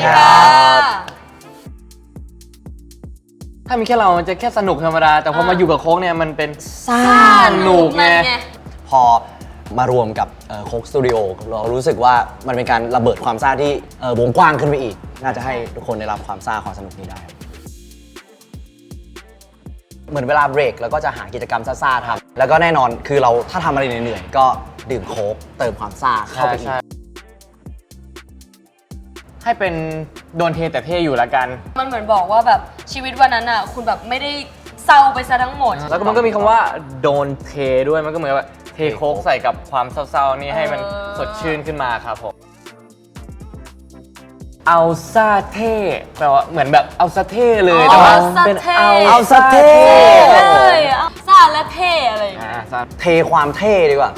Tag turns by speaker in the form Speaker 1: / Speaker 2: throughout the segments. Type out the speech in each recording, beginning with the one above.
Speaker 1: ค่ะ
Speaker 2: ถ้ามีแค่เรามันจะแค่สนุกธรรมดาแต่พอมาอยู่กับโค้กเนี่ยมันเป็นซ่าสนุ
Speaker 1: นุ
Speaker 2: ก
Speaker 1: ก
Speaker 2: ไง
Speaker 1: นั่นไง
Speaker 3: พอมารวมกับโค้กสตูดิโอเรารู้สึกว่ามันเป็นการระเบิดความซ่าที่วงกว้างขึ้นไปอีก น่าจะให้ทุกคนได้รับความซ่าความสนุกนี้ได้ เหมือนเวลาเบรกแล้วก็จะหากิจกรรมซ่าๆทำแล้วก็แน่นอนคือเราถ้าทำอะไรเหนื่อยๆก็ดื่มโค้กเติมความซ่าเข้าไปอีก
Speaker 2: ให้เป็นโดนเทแต่เท่อยู่ละกัน
Speaker 1: มันเหมือนบอกว่าแบบชีวิตวันนั้นอ่ะคุณแบบไม่ได้เศร้าไปซะทั้งหมด
Speaker 2: แล้วก็มันก็มีคำว่าโดนเทด้วยมันก็เหมือนว่าเทโค้กใส่กับความเศร้าๆนี่ให้มันสดชื่นขึ้นมาครับผมเอาซาเท่แปลว่าเหมือนแบบเอาซาเท่เลยแต่ว่าเป็นเอาซาเท่
Speaker 1: เลยซาและเท่อะไรอย่างเงี้ย
Speaker 3: เทความเท่ดีกว่า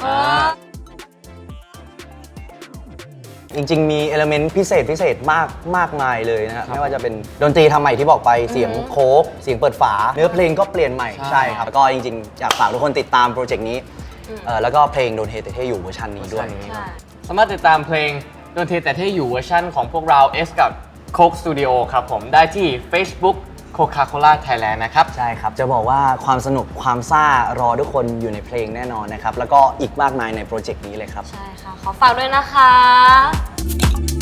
Speaker 3: จริงๆ มีเอลเมนต์พิเศษมากมายเลยนะครับไม่ว่าจะเป็นดนตรีทำใหม่ที่บอกไปเสียงโค้กเสียงเปิดฝา เนื้อเพลงก็เปลี่ยนใหม่ใช่ครับแล้วก็จริงๆอยากฝากทุกคนติดตามโปรเจกต์นี้แล้วก็เพลงโดนเทแต่เท่อยู่เวอร์ชันนี้ด้วย
Speaker 2: สามารถติดตามเพลงโดนเทแต่เท่อยู่เวอร์ชันของพวกเรา S กับ Coke Studio ครับผมได้ที่ Facebook Coca-Cola Thailand นะครับ
Speaker 3: ใช่ครับ จะบอกว่าความสนุกความซ่ารอทุกคนอยู่ในเพลงแน่นอนนะครับ แล้วก็อีกมากมายในโปรเจกต์นี้เลยครับ
Speaker 1: ใช่ค่ะ ขอฝากด้วยนะคะ